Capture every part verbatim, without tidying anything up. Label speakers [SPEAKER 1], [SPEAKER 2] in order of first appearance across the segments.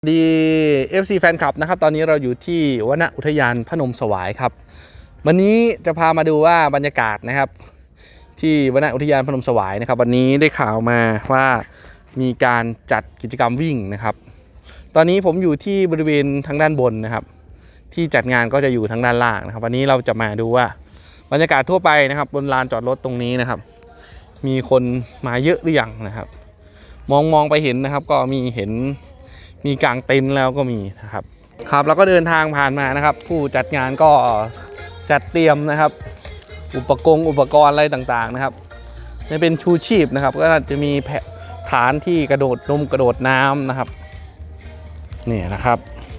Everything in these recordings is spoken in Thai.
[SPEAKER 1] ดี เอฟ ซี แฟนคลับนะครับตอนนี้เราอยู่ที่วนอุทยานพนมสวายครับวันนี้จะพามาดูว่าบรรยากาศนะครับที่วนอุทยานพนมสวายนะครับวันนี้ได้ข่าวมาว่ามีการจัดกิจกรรมวิ่งนะครับตอนนี้ผมอยู่ที่บริเวณทางด้านบนนะครับที่จัดงานก็จะอยู่ทางด้านล่างนะครับวันนี้เราจะมาดูว่าบรรยากาศทั่วไปนะครับบนลานจอดรถตรงนี้นะครับมีคนมาเยอะหรือยังนะครับมองมองไปเห็นนะครับก็มีเห็นมีกางเต็นท์แล้วก็มีนะครับครับเราก็เดินทางผ่านมานะครับผู้จัดงานก็จัดเตรียมนะครับอุปกรณ์อุปกรณ์อะไรต่างๆนะครับนี่เป็นชูชีพนะครับก็จะมีฐานที่กระโดดนมกระโดดน้ำนะครับนี่นะครับ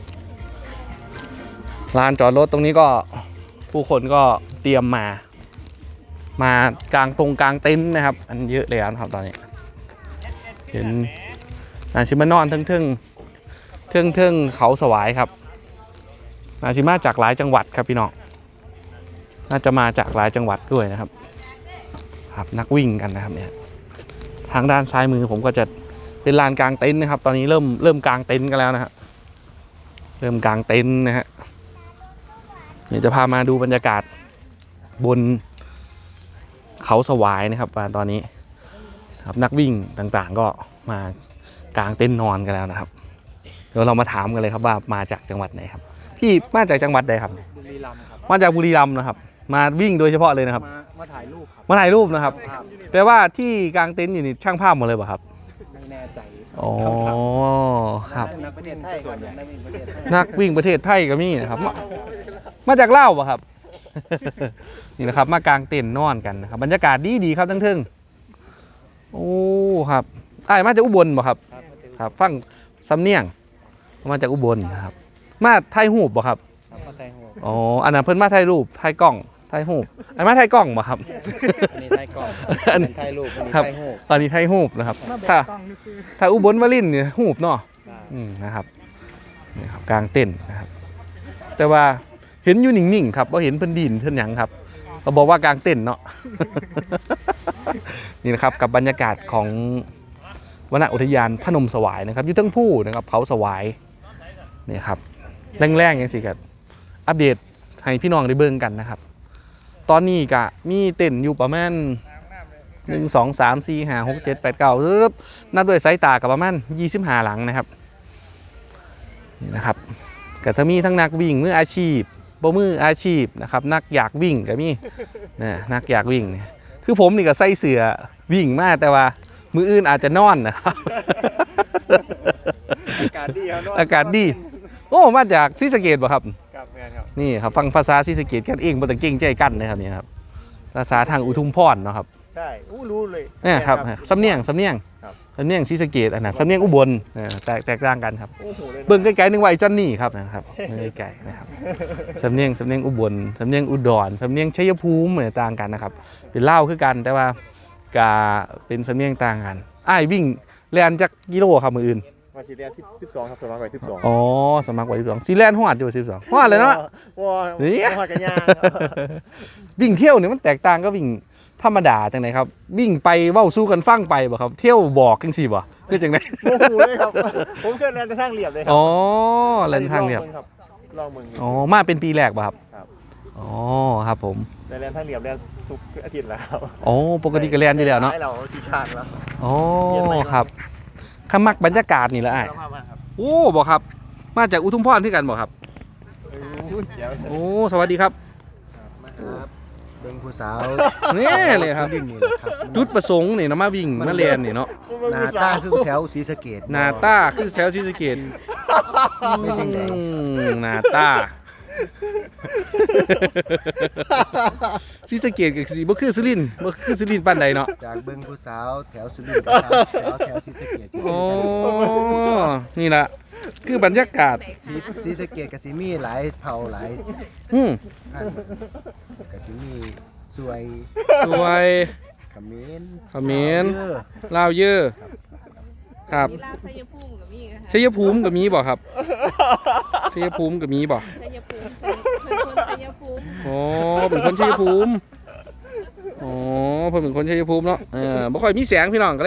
[SPEAKER 1] ลานจอดรถตรงนี้ก็ผู้คนก็เตรียมมามากางตรงกางเต็นท์นะครับอันเยอะเลยนะครับตอนนี้เห็นนาชิมานอนทึ่งทึ่งทึ่งทึ่งเขาสวายครับนาชิมาจากหลายจังหวัดครับพี่น้องน่าจะมาจากหลายจังหวัดด้วยนะครับครับนักวิ่งกันนะครับเนี่ยทางด้านซ้ายมือผมก็จะเป็นลานกางเต็นท์นะครับตอนนี้เริ่มเริ่มกางเต็นท์กันแล้วนะฮะเริ่มกางเต็นท์นะฮะเดี๋ยวจะพามาดูบรรยากาศบนเขาสวายนะครับตอนนี้ครับนักวิ่งต่างๆก็มากางเต็นท์นอนกันแล้วนะครับเดี๋ยวเรามาถามกันเลยครับว่ามาจากจังหวัดไหนครับพี่มาจากจังหวัดใดครับ
[SPEAKER 2] บุรีรัมย์ครับ
[SPEAKER 1] มาจากบุรีรัมย์นะครับมาวิ่งโดยเฉพาะเลยนะครับ
[SPEAKER 2] มามาถ่ายรูปครับ
[SPEAKER 1] มาถ่ายรูปนะครับแปลว่าที่กางเต็นท์อยู่นี่ช่างภาพหมดเลยป่ะครับ
[SPEAKER 2] ไม่แน่ใจ
[SPEAKER 1] อ๋อครับ
[SPEAKER 2] นักประเทศไทยก่อนนักวิ่งประเทศไทย
[SPEAKER 1] นักวิ่งประเทศไทยก็มีนะครับมามาจากลาวป่ะครับนี่นะครับมากางเต็นท์นอนกันนะครับบรรยากาศดีดีครับทั้งทึ่งโอ้ครับไอ้มาจากอุบลป่ะครับครับฟังสำเนียงมาจากอุบลนะครับมาถ่ายรูปป่ะครับอ๋ออันนั้นเพิ่นมาถ่ายรูปถ่ายกล้องถ่ายรูปอันมาถ่ายกล้องป่ะครับ
[SPEAKER 2] อันนี้ถ่ายกล้องอันนี้ถ่ายรูปอันนี้ถ่ายรูป
[SPEAKER 1] ตอนนี้ถ่ายรูปนะครับถ้าถ้าอุบลวลินเนี่ยรูปเนาะอืมนะครับนี่ครับกลางเต็นท์นะครับแต่ว่าเห็นอยู่นิ่งๆครับว่าเห็นเพิ่นดินเพิ่นหยังครับเราบอกว่ากลางเต็นท์เนาะนี่นะครับกับบรรยากาศของวนอุทยานพนมสวายนะครับอยู่ทั้งผู้นะครับเขาสวายนี่ครับแรงๆอย่างสิครับอัปเดตให้พี่น้องได้เบิ่งกันนะครับตอนนี้ก็มีเต็นท์อยู่ประมาณหนึ่ง สอง สาม สี่ ห้า หก เจ็ด แปด เก้านับด้วยสายตากับประมาณยี่สิบห้าหลังนะครับนี่นะครับก็จะมีทั้งนักวิ่งมืออาชีพบ่มืออาชีพนะครับนักอยากวิ่งก็มีนะนักอยากวิ่งเนี่ยคือผมนี่ก็ใส่เสื้อวิ่งมากแต่ว่ามืออื่นอาจจะนอนนะครับ
[SPEAKER 2] อากาศดีครับ
[SPEAKER 1] อากาศดีโอ้มาจากศรีสะเกษบ่ครับ
[SPEAKER 2] ครับแม่ครับ
[SPEAKER 1] นี่ครับฟังภาษาศรีสะเกษกันเองบ่ต้องเก่งใจกันนะครับนี่ครับภาษาทางอุทุมพรเนาะครับ
[SPEAKER 2] ใช่อู้รู้เลย
[SPEAKER 1] เนี่ยครับสำเนียงสำเนียงสำเนียงศรีสะเกษอันนั้นสำเนียงอุบลแตกแตกต่างกันครับเบิ่งไกลๆนึกว่าไอ้จอนนี่ครับนะครับไกลๆนะครับสำเนียงสำเนียงอุบลสำเนียงอุดรสำเนียงชัยภูมิเหมือนต่างกันนะครับเป็นเล่าคือกันแต่ว่ากาเป็นสำเนียงต่างกันอ้ายวิ่งแล่นจักกิโลครับมื้ออื่น
[SPEAKER 2] มาสีแลนสิบสองครับสมัครไว้สิบสอง
[SPEAKER 1] อ๋อสมัครไว้สิบสองสีแลนฮอดอยู่สิบสองฮอดเลยเนาะ
[SPEAKER 2] ว้านี่ฮอดกันยาก
[SPEAKER 1] วิ่งเที่ยวเนี่ยมันแตกต่างก็วิ่งธรรมดาจังไหนครับวิ่งไปเว้าสู้กันฟังไปบ่ครับเที่ยวบอกจังซี่บ่คือจังได๋
[SPEAKER 2] โอ้โหเลยครับผมเคยแล่นทางเรียบเลยครั
[SPEAKER 1] อ๋อแล่นทางเรียบ
[SPEAKER 2] ลองมึง
[SPEAKER 1] อ๋อมาเป็นปีแรกป่ะครับ
[SPEAKER 2] ครับ
[SPEAKER 1] อ๋อครับผม
[SPEAKER 2] แต่แล่นทางเรียบแล่นทุกอาทิตย์แล้ว
[SPEAKER 1] อ๋อปกติก็แล่นอยู่แล้วเนาะ
[SPEAKER 2] ให้เราที่ข้างแล้ว
[SPEAKER 1] อ๋อครับขมักบรรยากาศนี่แหละอ้ายโอ้บ่ครับมาจากอุทุมพรที่กันบ่ครับโอ้สวัสดีครับ
[SPEAKER 3] เบิ่งผู้สาว
[SPEAKER 1] นี่เลยครับจุดประสงค์นี่เนาะมาวิ่งมาเรียนนี่เนาะ
[SPEAKER 3] หน้าตาคือแถวศรีสะเกษ
[SPEAKER 1] หน้าตาคือแถวศรีสะเกษ
[SPEAKER 3] ไม่จริงไง
[SPEAKER 1] หน้าตาศรีสะเกษก็สิบ่คือสุรินทร์บ่คือสุรินทร์ปานใดเนาะ
[SPEAKER 3] จากเบิ่งผู้สาวแถวสุรินทร์แถวแถวศรีสะเกษ
[SPEAKER 1] โอ้นี่ล่ะคือบรรยากาศ
[SPEAKER 3] ศรีสะเกษก็สิมีหลายเผ่าหลาย
[SPEAKER 1] อืม
[SPEAKER 3] ก็สิมีสวย
[SPEAKER 1] สวย
[SPEAKER 3] เขมร
[SPEAKER 1] เขมรลาวเยอะครับชัยภูมิก็มีชัยภูมิก็มีบ่ครับชัยภูมิก็มีบ่ชัยภูมิเป็นคนชัยภูมิอ๋อเป็นคนชัยภูมิอ๋อเพิ่นเป็นคนชัยภูมิเนาะเออบ่ค่อยมีแสงพี่น้องก็เลย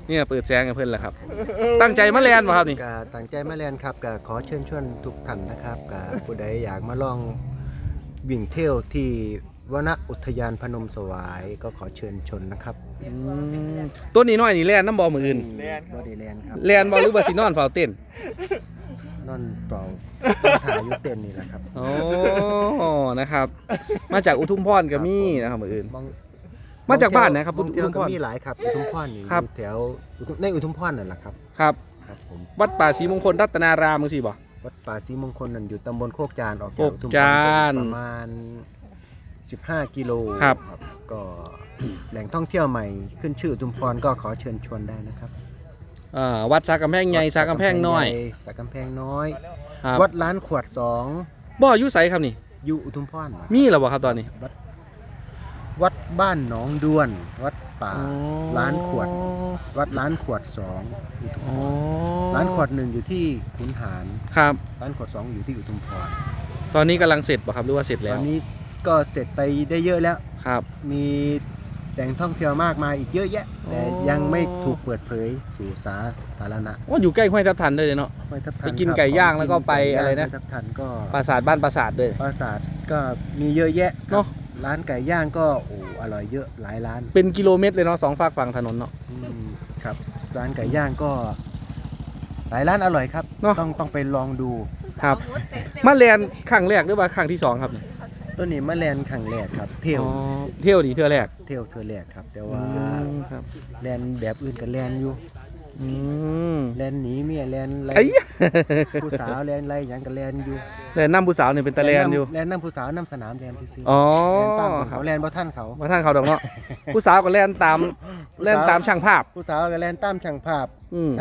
[SPEAKER 1] เนี่ยเปิดแสงกับเพื่อนแหละครับ ตั้งใจมาแลนป่ะครับนี่
[SPEAKER 3] กาตั้งใจมาเรียนครับกาขอเชิญชวนทุกท่านนะครับกาผู้ใดอยากมาลองวิ่งเที่ยวที่วนอุทยานพนมสวายก็ขอเชิญชนนะครับ
[SPEAKER 1] อืมต้นนี้น้อยนี่แลนน้ำบอมืออื่น
[SPEAKER 2] เรียนครับ
[SPEAKER 3] บอดีแลนครับ
[SPEAKER 1] แลนบอหรือบาซินอนเฝ้าเต้น
[SPEAKER 3] นอนเปล่าถ่ายอยุเต้นนี่แหละครับ
[SPEAKER 1] โอ้นะครับ มาจากอุทุมพรก็มีนะครับมืออื่น
[SPEAKER 3] มอง
[SPEAKER 1] มาจากบ้านนะครับ
[SPEAKER 3] มองเที่ยว
[SPEAKER 1] อุทุมพ
[SPEAKER 3] ก็
[SPEAKER 1] ร
[SPEAKER 3] มีหลายครับอุทุมพรนี่
[SPEAKER 1] ครับ
[SPEAKER 3] อยู่แถวอุทุมในอุทุมพรนั่นแหละครับ
[SPEAKER 1] ครับ
[SPEAKER 3] ครับผม
[SPEAKER 1] วัดป่าศรีมงคลรัตนารามมึงสิบ่
[SPEAKER 3] วัดป่าศรีมงคลนั่นอยู่ตำบลโคกจานออก
[SPEAKER 1] โค
[SPEAKER 3] จาก
[SPEAKER 1] ก
[SPEAKER 3] อุทุมพ
[SPEAKER 1] จาร น
[SPEAKER 3] ประมาณสิบห้ากิโล
[SPEAKER 1] ครับ
[SPEAKER 3] ก็ แหล่งท่องเที่ยวใหม่ขึ้นชื่ออุทุมพรก็ขอเชิญชวนได้นะครับ
[SPEAKER 1] อ่าวัดสากำแพงใหญ่สากำแพงน้อย
[SPEAKER 3] สากำแพงน้อย
[SPEAKER 1] ครับ
[SPEAKER 3] วัดล้านขวดสอง
[SPEAKER 1] บ่อยู่ไสครับนี่
[SPEAKER 3] อยู่อุทุมพร
[SPEAKER 1] มีแล้วบ่ครับตอนนี้
[SPEAKER 3] วัดวัดบ้านหนองด้วน วัดป่าล้านขวด วัดล้านขวดสองอุทุม
[SPEAKER 1] อ๋
[SPEAKER 3] พ
[SPEAKER 1] อ
[SPEAKER 3] รล้านขวดหนึ่งอยู่ที่ขุนหาร
[SPEAKER 1] ครับ
[SPEAKER 3] ล้านขวดสองอยู่ที่อุทุมพร
[SPEAKER 1] ตอนนี้กำลังเสร็จบ่ครับหรือว่าเสร็จ
[SPEAKER 3] ต
[SPEAKER 1] แล้
[SPEAKER 3] อ
[SPEAKER 1] วน
[SPEAKER 3] นี้ก็เสร็จไปได้เยอะแล้ว
[SPEAKER 1] ครับ
[SPEAKER 3] มีแหล่งท่องเที่ยวมากมายอีกเยอะแยะ แต่
[SPEAKER 1] อ๋อ
[SPEAKER 3] ยังไม่ถูกเปิดเผยสู่สาธารณะ
[SPEAKER 1] ว่าอยู่ใกล้ห้วยทับทันด้วยเนาะ
[SPEAKER 3] ห้วยทับทั
[SPEAKER 1] ไปกิน
[SPEAKER 3] ครับ
[SPEAKER 1] ไก่ย่าง
[SPEAKER 3] ข
[SPEAKER 1] แล้วก็ไป
[SPEAKER 3] กิ
[SPEAKER 1] อะไรนะ
[SPEAKER 3] ห้วยทับทันก็
[SPEAKER 1] ปราสาทบ้านปราสาทด้วย
[SPEAKER 3] ปราสาทก็มีเยอะแยะครับ
[SPEAKER 1] เนอะ
[SPEAKER 3] ร้านไก่ย่างก็โอ้อร่อยเยอะหลายร้าน
[SPEAKER 1] เป็นกิโลเมตรเลยเนาะสองฝากฝั่งถนนเนาะ
[SPEAKER 3] อืมครับร้านไก่ย่างก็ หลายร้านอร่อยครับ
[SPEAKER 1] เนอะ
[SPEAKER 3] ต้องต้องไปลองดู
[SPEAKER 1] ครับ มาแลนครั้งแรกหรือว่าครั้งที่สองครับนี่
[SPEAKER 3] ต้นนี้มะแลนขังแรกครับ เที่ยว
[SPEAKER 1] อ๋อเที่ยวดีเที่ยวแรก
[SPEAKER 3] เที่ยวเทือแรกครับ แต่ว่า
[SPEAKER 1] อืมครับ
[SPEAKER 3] แลนแบบอื่นก็แลนอยู่
[SPEAKER 1] อืม
[SPEAKER 3] แลนหนีเมียแลนอะไร
[SPEAKER 1] ไอ้ยะ
[SPEAKER 3] ผู้สาวแลนอะไรอย่างก็แลนอยู่
[SPEAKER 1] แลนน้ำผู้สาวเนี่ยเป็นตะแลนอยู่
[SPEAKER 3] แลนน้ำผู้สาวน้ำสนามแลนที่ซื้อ
[SPEAKER 1] อ๋อ
[SPEAKER 3] แลนตาม
[SPEAKER 1] ครั
[SPEAKER 3] เขา
[SPEAKER 1] บ
[SPEAKER 3] แลนบ่ท่านเขา
[SPEAKER 1] มาท่านเขาดอกเนาะ ผู้สาวก็แล่นตามแล่นตามช่างภาพ
[SPEAKER 3] ผู้สาวก็แลนตามช่างภาพ
[SPEAKER 1] อืม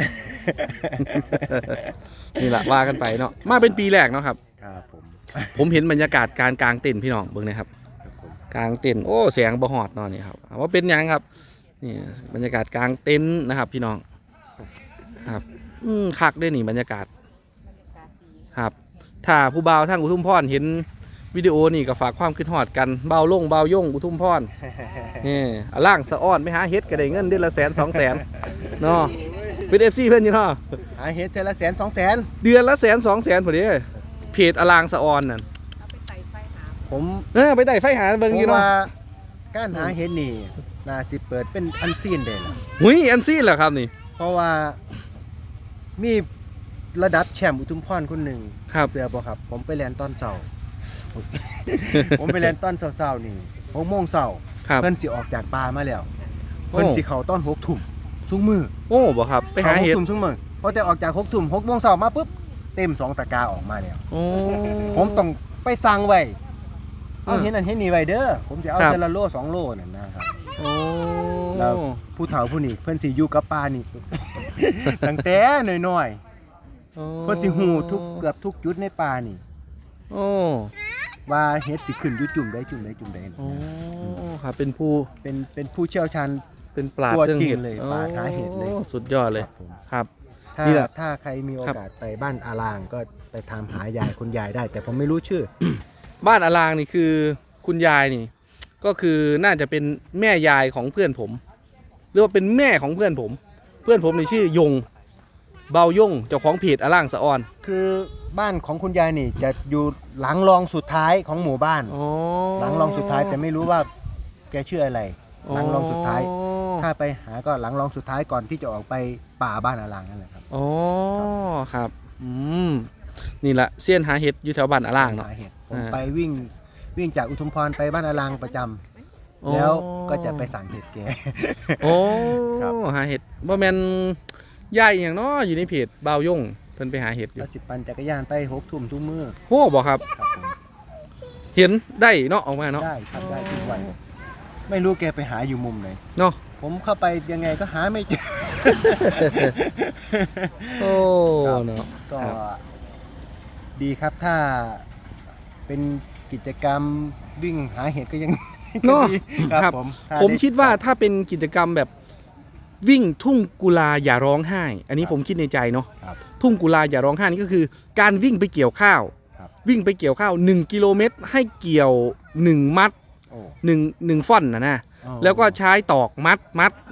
[SPEAKER 1] นี่แหละว่ากันไปเนาะมาเป็นปีแรกเนาะครับ
[SPEAKER 3] ครับผม
[SPEAKER 1] ผมเห็นบรรยากาศการกางเต็นท์พี่น้องเบิ่งนะครับ
[SPEAKER 3] ครับผม
[SPEAKER 1] กางเต็นท์โอ้แสงบ่ฮอดเนาะนี่ครับถามว่าเป็นหยังครับนี่บรรยากาศกางเต็นท์นะครับ พี่น้องครับอืมคักได้นี่บรรยากาศครับ ถ้าผู้บ่าวทางอุทุมพรเห็นวิดีโอนี่ก็ฝากความคิดฮอดกันเบาลงเบาย่งอุทุมพรนี่อ่ะล่างสะอ้อนไปหาเฮ็ดก็ได้เงินเดือนละแสนสองแสนเนาะเป็น เอฟ ซี เพิ่นอยู่เนาะ
[SPEAKER 3] หาเฮ็ดเทอละแสนสองแสน
[SPEAKER 1] เดือนละแสนสองแสนพอดีเพจอลางสะออนนั่น
[SPEAKER 3] ผม
[SPEAKER 1] เออไปไต่ไฟหาเบิ่ง
[SPEAKER 3] ผ
[SPEAKER 1] อยู่
[SPEAKER 3] ม
[SPEAKER 1] เนาะ
[SPEAKER 3] ว่าการหาเฮ็ดนี่น่าสิเปิดเป็นอันซีนได้ล่ะ
[SPEAKER 1] หุยอันซี่เหรอครับนี่
[SPEAKER 3] เพราะว่ามีระดับแชมป์อุทุมพรคนหนึ่ง
[SPEAKER 1] ครับ
[SPEAKER 3] เสือบ่ครับ ผมไปแลนตอนเช้า ผมไปแลนตอนเช้าๆนี่หกโมงเช้า
[SPEAKER 1] ครับ
[SPEAKER 3] เพิ่นสิออกจากป่ามาแล้ว
[SPEAKER 1] โอ้
[SPEAKER 3] เพิ่นสิเข้าตอนหกทุ่มซุมือ
[SPEAKER 1] โอ้บ่ครับไปหาเห็ด
[SPEAKER 3] ข้กทุ่มซุมือพอแต่ออกจากหกทุ่มหกโมงเช้ามาปุ๊บเต็มสองตะกร้าออกมาแล้ว
[SPEAKER 1] โอ้
[SPEAKER 3] ผมต้องไปสั่งไว้เอา
[SPEAKER 1] อืม
[SPEAKER 3] เห็นอันเห็นนี่ไว้เด้อผมจะเอา
[SPEAKER 1] ครับ
[SPEAKER 3] เทละโลสองโลนั่นนะครับ
[SPEAKER 1] โอ้
[SPEAKER 3] แล้ว ผู้เฒ่าผู้นี้เพิ่นสิอยู่กับป่านี่ ตั้งแต่น้อยๆเพิ่นสิฮู้ทุกเกือบทุกจุดในป่านี่
[SPEAKER 1] โอ้
[SPEAKER 3] ว่าเฮ็ดสิขึ้นอยู่จุ่มใดจุ่มใดจุ่มใด
[SPEAKER 1] โอ้ครับเป็นผู้
[SPEAKER 3] เป็นเป็นผู้เชี่ยวชาญ
[SPEAKER 1] เป็นปราด
[SPEAKER 3] ตัว
[SPEAKER 1] เรื่อง
[SPEAKER 3] จริง
[SPEAKER 1] เห็ด
[SPEAKER 3] เลยปราดหาเห็ดเลย
[SPEAKER 1] โอ้สุดยอดเลย
[SPEAKER 3] ครับผม
[SPEAKER 1] ครับ
[SPEAKER 3] ถ้า
[SPEAKER 1] นี่แหละ
[SPEAKER 3] ถ้าใครมีโอกาสไปบ้านอารางก็ไปถามหายายคุณยายได้ แต่ผมไม่รู้ชื่อ
[SPEAKER 1] บ้านอลางนี่คือคุณยายนี่ ก็คือน่าจะเป็นแม่ยายของเพื่อนผมหรือว่าเป็นแม่ของเพื่อนผม เพื่อนผมนี่ชื่อยงเบายงเจ้าของเพจอลางสะออน
[SPEAKER 3] คือบ้านของคุณยายนี่จะอยู่หลังรองสุดท้ายของหมู่บ้าน
[SPEAKER 1] อ๋อ
[SPEAKER 3] หลังรองสุดท้ายแต่ไม่รู้ว่าแกชื่ออะไร หลังรองสุดท้าย ถ้าไปหาก็หลังรองสุดท้ายก่อนที่จะออกไปป่าบ้านอารางนั่นแหละครับ
[SPEAKER 1] อ๋อครับอืมนี่แหละเสี้ยนหาเห็ดอยู่แถวบ้านอลางเนาะ
[SPEAKER 3] หเหตุผม
[SPEAKER 1] อ่า
[SPEAKER 3] ไปวิ่งวิ่งจากอุทุมพรไปบ้านอารางประจำ
[SPEAKER 1] โอ้
[SPEAKER 3] แล้วก็จะไปสั่งเห็ดแก
[SPEAKER 1] โอ้
[SPEAKER 3] ครับ
[SPEAKER 1] หาเห็ดบ่แม่นยายอหย่างเนาะอยู่ในเพจเบายงเพิ่นไปหาเห็ดอยู่
[SPEAKER 3] แล้วสิปั่นจักรยานไปหกทุ่มทุกมือ
[SPEAKER 1] โอ้บ่ครับ
[SPEAKER 3] ครับผม
[SPEAKER 1] เห็นได้เนาะออกมาเนาะ
[SPEAKER 3] ได้ทำได้ทุกวันไม่รู้แกไปหาอยู่มุมไหน
[SPEAKER 1] เนาะ
[SPEAKER 3] ผมเข้าไปยังไงก็หาไม่เจอ
[SPEAKER 1] โอ้
[SPEAKER 3] ครับ
[SPEAKER 1] เนาะ
[SPEAKER 3] ก็
[SPEAKER 1] ครับ
[SPEAKER 3] ดีครับถ้าเป็นกิจกรรมวิ่งหาเห็ดก็ยัง
[SPEAKER 1] เนาะ
[SPEAKER 3] ก็ดี
[SPEAKER 1] ครับ
[SPEAKER 3] ผมถ้า
[SPEAKER 1] ผม
[SPEAKER 3] ได้
[SPEAKER 1] คิดว่าถ้าเป็นกิจกรรมแบบวิ่งทุ่งกุลาอย่าร้องไห้ อันนี้ผมคิดในใจเนาะ
[SPEAKER 3] ครับ
[SPEAKER 1] ทุ่งกุลาอย่าร้องไห้นี่ก็คือ การวิ่งไปเกี่ยวข้าว
[SPEAKER 3] ครับ
[SPEAKER 1] วิ่งไปเกี่ยวข้าวหนึ่งกิโลเมตรให้เกี่ยวหนึ่งมัด
[SPEAKER 3] โอ้
[SPEAKER 1] หนึ่งหนึ่งฟ่อนนะนะ
[SPEAKER 3] อ๋อ
[SPEAKER 1] แล้วก็ใช้ตอกมัดมัดอ่า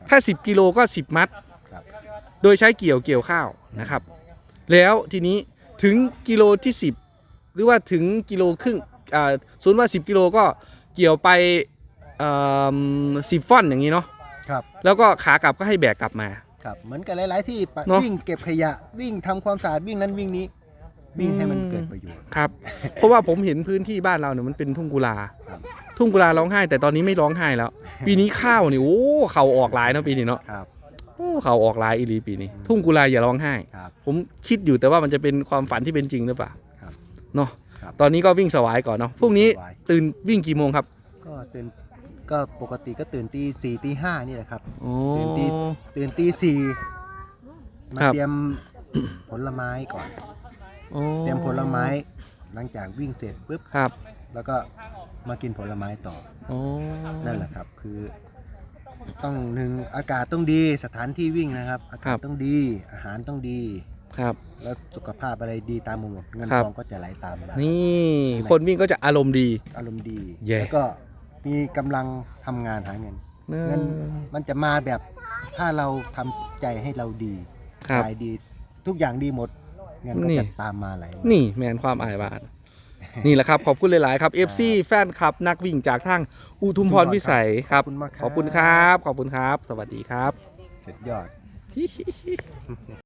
[SPEAKER 1] ถ้าสิบกิโลก็สิบมัด
[SPEAKER 3] ครับ
[SPEAKER 1] โดยใช้เกี่ยวเกี่ยวข้าวนะครับ แล้วทีนี้ถึงกิโลที่สิบหรือว่าถึงกิโลครึ่งอ่าสมมติว่าสิบกิโลก็เกี่ยวไปสิบฟ่อนอย่างนี้เนาะ
[SPEAKER 3] ครับ
[SPEAKER 1] แล้วก็ขากลับก็ให้แบกกลับมา
[SPEAKER 3] ครับเหมือนกับหลาย ๆ ที่ปะ
[SPEAKER 1] เนอะ
[SPEAKER 3] วิ่งเก็บขยะวิ่งทำความสะอาดวิ่งนั้นวิ่งนี้ วิ่งให้มันเกิดประโยชน์
[SPEAKER 1] ครับ เพราะว่าผมเห็นพื้นที่บ้านเราเนี่ยมันเป็นทุ่งกุลา
[SPEAKER 3] ครับ
[SPEAKER 1] ทุ่งกุลาร้องไห้แต่ตอนนี้ไม่ร้องไห้แล้ว ปีนี้ข้าวนี่โอ้เขาออกหลายเนาะปีนี้เนาะ
[SPEAKER 3] ครับ
[SPEAKER 1] โอ้เขาออกหลายอีหลีปีนี้ ทุ่งกุลาอย่าร้องไห้
[SPEAKER 3] ครับ
[SPEAKER 1] ผมคิดอยู่แต่ว่ามันจะเป็นความฝันที่เป็นจริงหรือเปล่า
[SPEAKER 3] ครับ
[SPEAKER 1] เนาะ
[SPEAKER 3] ครับ
[SPEAKER 1] ตอนนี้ก็วิ่งสวายก่อนเนาะพรุ่งนี้
[SPEAKER 3] สวาย
[SPEAKER 1] ตื่นวิ่งกี่โมงครับ
[SPEAKER 3] ก็ตื่นก็ปกติก็ตื่นตีสี่ตีห้านี่แหละครับ
[SPEAKER 1] โอ้
[SPEAKER 3] ตื่นตีตื่นตีสี่มา
[SPEAKER 1] ครับ
[SPEAKER 3] เตรียมผลไม้ก่อน
[SPEAKER 1] โอ้
[SPEAKER 3] เตรียมผลไม้หลังจากวิ่งเสร็จปุ๊บ
[SPEAKER 1] ครับ
[SPEAKER 3] แล้วก็มากินผลไม้ต่อ
[SPEAKER 1] โอ้
[SPEAKER 3] นั่นแหละครับ คือต้องหนึ่งอากาศต้องดีสถานที่วิ่งนะครับ อากาศต้องดีอาหารต้องดี
[SPEAKER 1] ครับ
[SPEAKER 3] แล้วสุขภาพอะไรดีตามหมดเงิน
[SPEAKER 1] ครับ
[SPEAKER 3] ทองก็จะไหลตามมา
[SPEAKER 1] นี่คนวิ่งก็จะอารมณ์ดี
[SPEAKER 3] อารมณ์ดี
[SPEAKER 1] แย่
[SPEAKER 3] แล้วก็มีกำลังทำงานหาเงิน เงินมันจะมาแบบถ้าเราทำใจให้เราดี
[SPEAKER 1] ครับ
[SPEAKER 3] กายดีทุกอย่างดีหมด เงินก็
[SPEAKER 1] นี่
[SPEAKER 3] จะตามมาไหลมา
[SPEAKER 1] นี่แมนความอายบาน นี่แหละครับ ขอบคุณหลาย ๆ ครับ เอฟ ซี แฟนคลับ นักวิ่งจากทางอุทุมพรพิสัยครับ
[SPEAKER 3] ขอบคุณมากครับ
[SPEAKER 1] ขอบคุณครับ ขอบคุณครับ สวัสดีครับ
[SPEAKER 3] สุดยอด